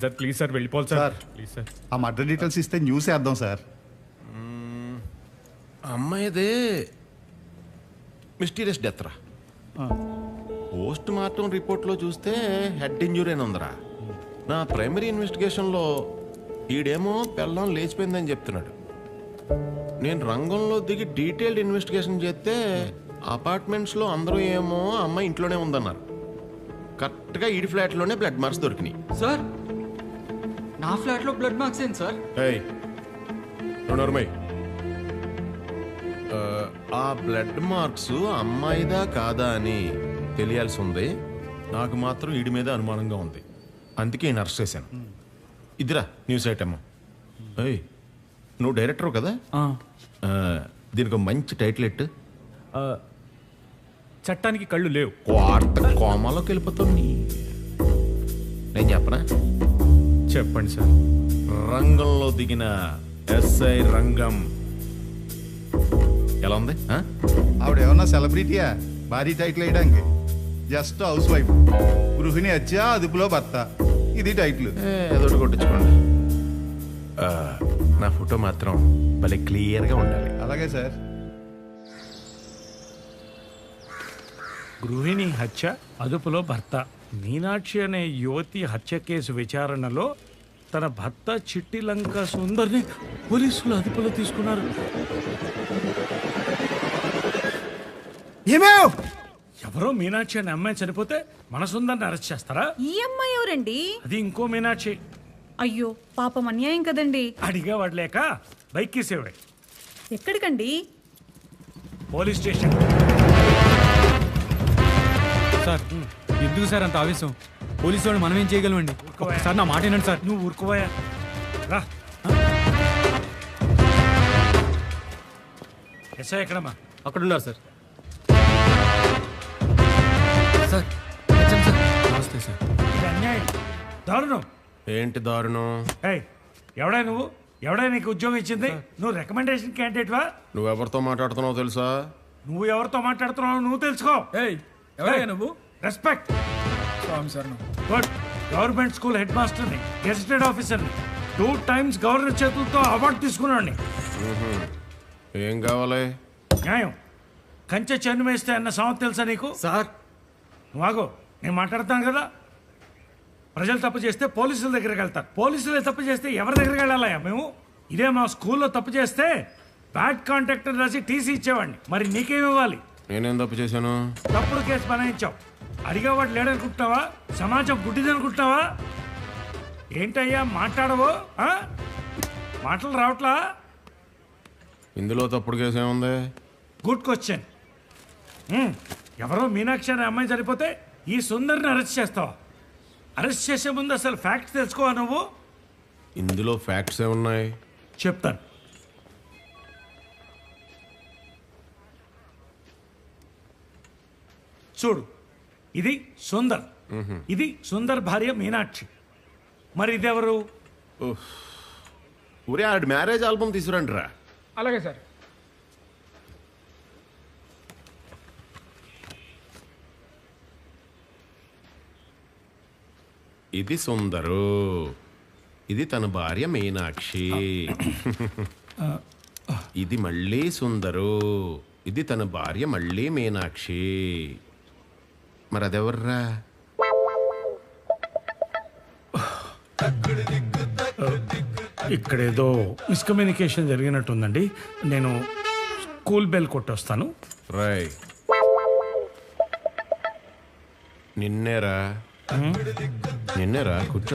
అయిపోయింది sir. Please sir వెళ్ళిపోవాలి sir. Sir please sir. ఆ మర్డర్ డీటెయిల్స్ ఇస్తే న్యూస్ వేద్దాం సార్. అమ్మాయిదే మిస్టీరియస్ డెత్ రా. పోస్ట్ మార్టం రిపోర్ట్లో చూస్తే హెడ్ ఇంజురీ అని ఉందరా. నా ప్రైమరీ ఇన్వెస్టిగేషన్లో ఈడేమో పెళ్ళం లేచిపోయిందని చెప్తున్నాడు. నేను రంగంలో దిగి డీటెయిల్డ్ ఇన్వెస్టిగేషన్ చేస్తే అపార్ట్మెంట్స్లో అందరూ ఏమో అమ్మాయి ఇంట్లోనే ఉందన్నారు. కరెక్ట్గా ఈడి ఫ్లాట్లోనే బ్లడ్ మార్క్స్ దొరికినాయి. సార్ నా ఫ్లాట్లో బ్లడ్ మార్క్స్ ఏంటి సార్? ఆ బ్లడ్ మార్క్స్ అమ్మాయిదా కాదా అని తెలియాల్సి ఉంది. నాకు మాత్రం ఈడి మీద అనుమానంగా ఉంది, అందుకే నేను అరెస్ట్ చేశాను. ఇదిరా న్యూస్ ఐటమ్. నువ్వు డైరెక్టర్ కదా, దీనికి ఒక మంచి టైటిల్ ఎట్టు. చట్టానికి కళ్ళు లేవు. వార్త కోమాలోకి వెళ్ళిపోతావు. నేను చెప్పనా? చెప్పండి సార్. రంగంలో దిగిన ఎస్ఐ రంగం. ఎలా ఉంది? ఆవిడ ఏమన్నా సెలబ్రిటీయా భారీ టైటిల్ వేయడానికి? జస్ట్ హౌస్ వైఫ్, గృహిణి హత్య అదుపులో భర్త, ఇది టైటిల్. ఏదోటి కొట్టించుకోండి. నా ఫోటో మాత్రం భలే క్లియర్గా ఉండాలి. అలాగే సార్. గృహిణి హత్య అదుపులో భర్త. మీనాక్షి అనే యువతి హత్య కేసు విచారణలో తన భర్త చిట్టి లంక సుందర్ని పోలీసులు అదుపులో తీసుకున్నారు. ఎవరో మీనాక్షి అనే అమ్మాయి చనిపోతే మన సుందర్ని అరెస్ట్ చేస్తారా? ఈ అమ్మాయి ఎవరండి? అది ఇంకో మీనాక్షి. అయ్యో పాపం, అన్యాయం కదండి. అడిగా వాడలేక బైక్ తీసేవాడు. ఎక్కడికండి? Police station. సార్ ఎందుకు సార్ అంత ఆవేశం? పోలీసు వాళ్ళు మనం ఏం చేయగలమండి? సార్ నా మాట వినండి సార్. నువ్వు ఊరుకోవా రా. ఎస్ఐ ఎక్కడమ్మా? అక్కడ ఉన్నారు సార్. సార్ సార్ నమస్తే సార్. ఇది అన్యాయం, దారుణం. ఏంటి దారుణం? ఏయ్, ఎవడా నువ్వు? ఎవడా నీకు ఉద్యోగం ఇచ్చింది? నువ్వు రికమెండేషన్ క్యాండిడేట్వా? నువ్వెవరితో మాట్లాడుతున్నావు తెలుసా? నువ్వు ఎవరితో మాట్లాడుతున్నావు నువ్వు తెలుసుకో. ఎవరయ్యా నువ్వు? Respect. Sir good. Government school head మాస్టర్ని, గెజిటెడ్ ఆఫీసర్ని, 2 times గవర్నర్ చేతులతో అవార్డు తీసుకున్నాడిని. ఏం కావాలి? న్యాయం. కంచె చెన్ను వేస్తే అన్న సామెత తెలుసా నీకు? సార్ నువ్వు ఆగో, నేను మాట్లాడుతాను కదా. ప్రజలు తప్పు చేస్తే పోలీసుల దగ్గరికి వెళ్తారు. పోలీసులే తప్పు చేస్తే ఎవరి దగ్గరికి వెళ్ళాలయ్యా మేము? ఇదే మా స్కూల్లో తప్పు చేస్తే బ్యాడ్ కాంటాక్ట్ అని రాసి టీసీ ఇచ్చేవాడిని. మరి నీకేమి ఇవ్వాలి? నేనేం తప్పు చేశాను? తప్పుడు కేసు బనాయించావు. అడిగేవాడు లేడనుకుంటున్నావా? సమాజం గుడ్డిదనుకుంటున్నావా? ఏంటయ్యా మాట్లాడవు? మాటలు రావట్లా? ఇందులో తప్పుడు కేసు ఏముంది? Good question. ఎవరో మీనాక్షి అనే అమ్మాయి చనిపోతే ఈ సుందర్ని అరెస్ట్ చేస్తావా? అరెస్ట్ చేసే ముందు అసలు ఫ్యాక్ట్స్ తెలుసుకోవా నువ్వు? ఇందులో ఫ్యాక్ట్స్ ఏమున్నాయి? చెప్తాను. చూడు, ఇది సుందర్, ఇది సుందర్ భార్య మీనాక్షి. మరి ఇదెవరు? ఊరే ఆడి మ్యారేజ్ ఆల్బమ్ తీసుకురండి రా. అలాగే సార్. ఇది సుందరు, ఇది తన భార్య మీనాక్షి. ఇది మళ్ళీ సుందరు, ఇది తన భార్య మళ్ళీ మీనాక్షి. మరి అదెవర్రా? ఇక్కడేదో మిస్కమ్యూనికేషన్ జరిగినట్టుందండి. నేను స్కూల్ బెల్ కొట్టొస్తాను. రాయ్. నిన్నేరా కూర్చో.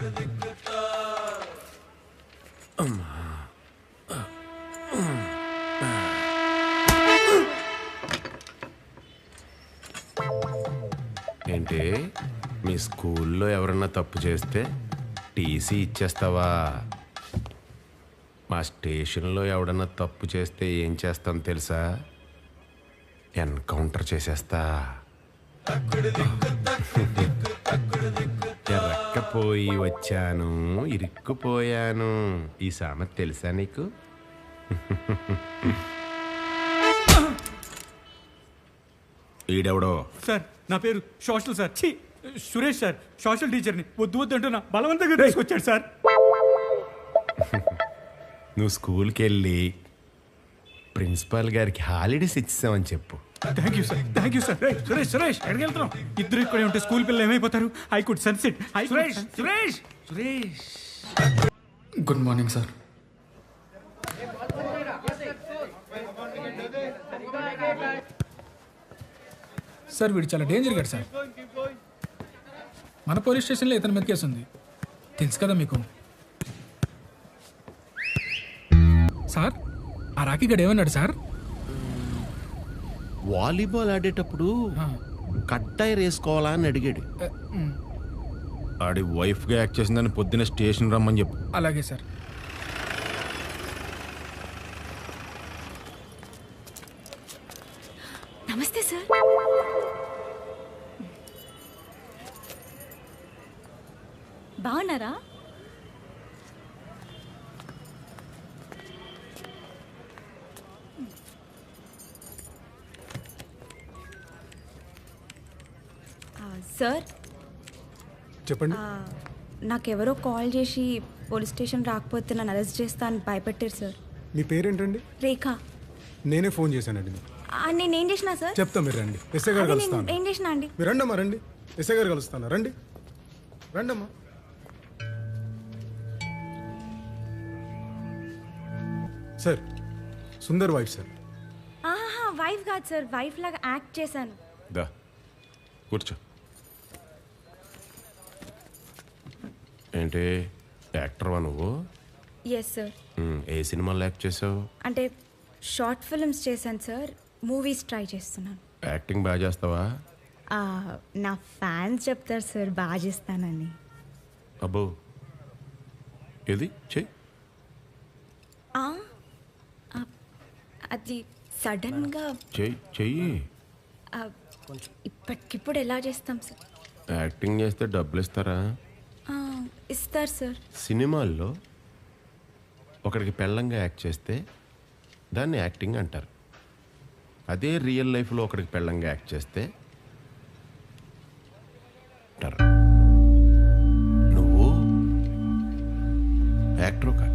ఏంటి, మీ స్కూల్లో ఎవరన్నా తప్పు చేస్తే టీసీ ఇచ్చేస్తావా? మా స్టేషన్లో ఎవడన్నా తప్పు చేస్తే ఏం చేస్తాను తెలుసా? ఎన్కౌంటర్ చేసేస్తా. ఎరక్కపోయి వచ్చాను, ఇరుక్కుపోయాను. ఈ సామెత తెలుసా నీకు? ఈడెవడో? సార్ నా పేరు social sir. Suresh sir social టీచర్ని వద్దు వద్దు అంటున్నా బలవంతంగా తీసుకొచ్చాడు సార్. నువ్వు స్కూల్కి వెళ్ళి ప్రిన్సిపాల్ గారికి హాలిడేస్ ఇచ్చేసామని చెప్పు. Thank you sir, thank you sir. Suresh Suresh ఎక్కడికి వెళ్తున్నావు? ఇద్దరు ఇక్కడే ఉంటే స్కూల్ పిల్లలు ఏమైపోతారు? I could sunset. Suresh Suresh Suresh good morning sir. సార్ వీడు చాలా డేంజర్ గాడు సార్. మన పోలీస్ స్టేషన్లో ఇతని మీద కేసు ఉంది, తెలుసు కదా మీకు. సార్ ఆ రాఖీ గడు ఏమన్నాడు సార్? వాలీబాల్ ఆడేటప్పుడు కట్టాయి వేసుకోవాలా అని అడిగాడు. ఆడి వైఫ్గా యాక్ట్ చేసిందని పొద్దున్న స్టేషన్ రమ్మని చెప్పు. అలాగే సార్. నమస్తే సార్. బాగున్నారా? సార్ చెప్పండి. నాకెవరో కాల్ చేసి పోలీస్ స్టేషన్ రాకపోతే నన్ను అరెస్ట్ చేస్తా అని భయపెట్టారు సార్. మీ పేరేంటండి? రేఖ. నేనే ఫోన్ చేశానండి మీకు. నేనేం చేసినా సార్? చెప్తా, మీరు రండి. ఎస్ఐ గారు అదే నేను కలుస్తాను. ఏం చేసినా అండి? మీరు రండమ్మా, రండి. ఎస్ఐ గారు కలుస్తాను. రండి రండమ్మా. Sir Sundar wife sir. ఆహా, వైఫ్ కాదు సార్, వైఫ్ లాగా యాక్ట్ చేశాను. దా కూర్చో. ఏంటి యాక్టర్వా నువ్వు? Yes sir. ఏ సినిమాలో యాక్ట్ చేసావు? అంటే షార్ట్ ఫిల్మ్స్ చేశాను సార్, మూవీస్ ట్రై చేస్తున్నాను. యాక్టింగ్ బాగా చేస్తావా? నా ఫ్యాన్స్ చెప్తారు సార్ బాగా చేస్తానని. అబ్బో, ఏది చెయ్యి. ఆ, అది సడన్గా చెయ్యి. ఇప్పటికిప్పుడు ఎలా చేస్తాం సార్? యాక్టింగ్ చేస్తే డబ్బులు ఇస్తారా? ఇస్తారు సార్. సినిమాల్లో ఒకడికి పెళ్ళంగా యాక్ట్ చేస్తే దాన్ని యాక్టింగ్ అంటారు. అదే రియల్ లైఫ్లో ఒకడికి పెళ్ళంగా యాక్ట్ చేస్తే అంటారు. నువ్వు యాక్టర్ కాదు.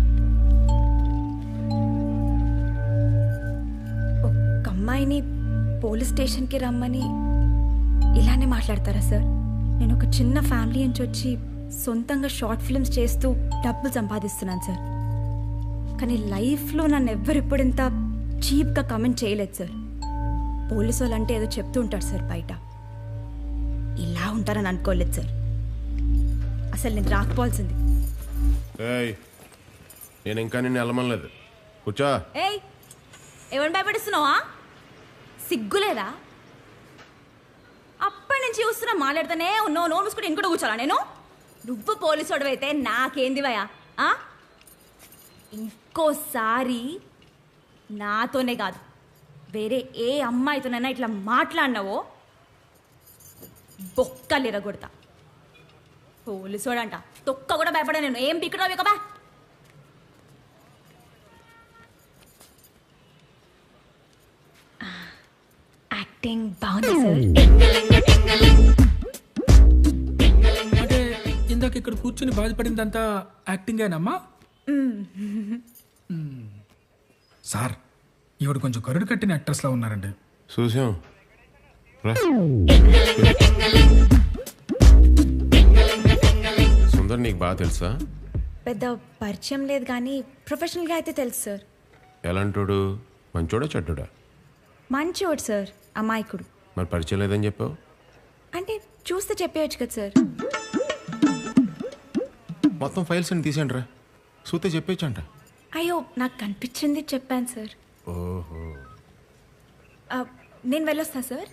ఒక అమ్మాయిని పోలీస్ స్టేషన్కి రమ్మని ఇలానే మాట్లాడతారా సార్? నేను ఒక చిన్న ఫ్యామిలీ నుంచి వచ్చి సొంతంగా షార్ట్ ఫిల్మ్స్ చేస్తూ డబ్బులు సంపాదిస్తున్నాను సార్. కానీ లైఫ్లో నన్ను ఎవ్వరిప్పుడు ఇంత చీప్గా కమెంట్ చేయలేదు సార్. పోలీసు వాళ్ళు అంటే ఏదో చెప్తూ ఉంటారు సార్ బయట, ఇలా ఉంటారని అనుకోలేదు సార్. అసలు నేను రాకపోవాల్సింది. ఏయ్, నేను ఇంకా నిన్ను వెళ్ళమనలేదు. కూర్చో. ఏయ్, ఎవరిని భయపడిస్తున్నావా? సిగ్గులేదా? అప్పటి నుంచి చూస్తున్నా మాట్లాడుతూనే ఉన్నావు. నోరు మూసుకుంటే ఇంకోటి కూర్చోాలా నేను? నువ్వు పోలీసు అయితే నాకేంది భయ? ఇంకోసారి నాతోనే కాదు వేరే ఏ అమ్మాయితోనైనా ఇట్లా మాట్లాడినావో బొక్కలు ఎరగొడతా. పోలీసోడంట తొక్క కూడా భయపడా నేను. ఏం పిక్కడో ఇక బా. యాక్టింగ్ బాగుంది సార్. అంటే ఇందాక ఇక్కడ కూర్చుని బాధపడిందంతా యాక్టింగేనమ్మా? సార్ ఈవిడ కొంచెం కరుడు కట్టిన యాక్ట్రెస్లా ఉన్నారండి. చూసాం రా. సుందర్ నీకు బాగా తెలుసా? పెద్ద పరిచయం లేదు కానీ ప్రొఫెషనల్గా అయితే తెలుసు సార్. ఎలాంటోడు? మంచోడా చెడ్డోడా? మంచివాడు సార్, అమాయకుడు. మరి పరిచయం లేదని చెప్పావు? అంటే చూస్తే చెప్పేయచ్చు కదా సార్. మొత్తం ఫైల్స్ అని తీసేయండి రా, చూస్తే చెప్పేచ్చంట. అయ్యో, నాకు కనిపించింది చెప్పాను సార్. ఓహో, నేను వెళ్ళొస్తా సార్.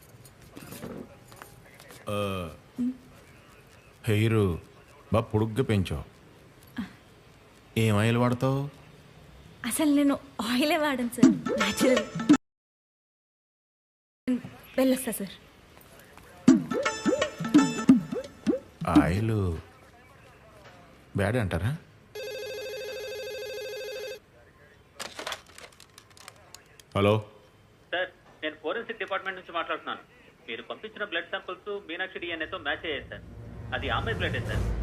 హెయిర్ బాగా పొడుగ్గా పెంచావు. ఏం ఆయిల్ వాడతావు? అసలు నేను ఆయిలే వాడను సార్, న్యాచురల్. వెళ్ళొస్తా సార్. ఆయిల్ బ్యాడ్ అంటారా? హలో సార్, నేను ఫోరెన్సిక్ డిపార్ట్మెంట్ నుంచి మాట్లాడుతున్నాను. మీరు పంపించిన బ్లడ్ శాంపిల్స్ మీనాక్షి డిఎన్ఏతో మ్యాచ్ అయ్యాయి సార్. అది ఆమె బ్లడే సార్.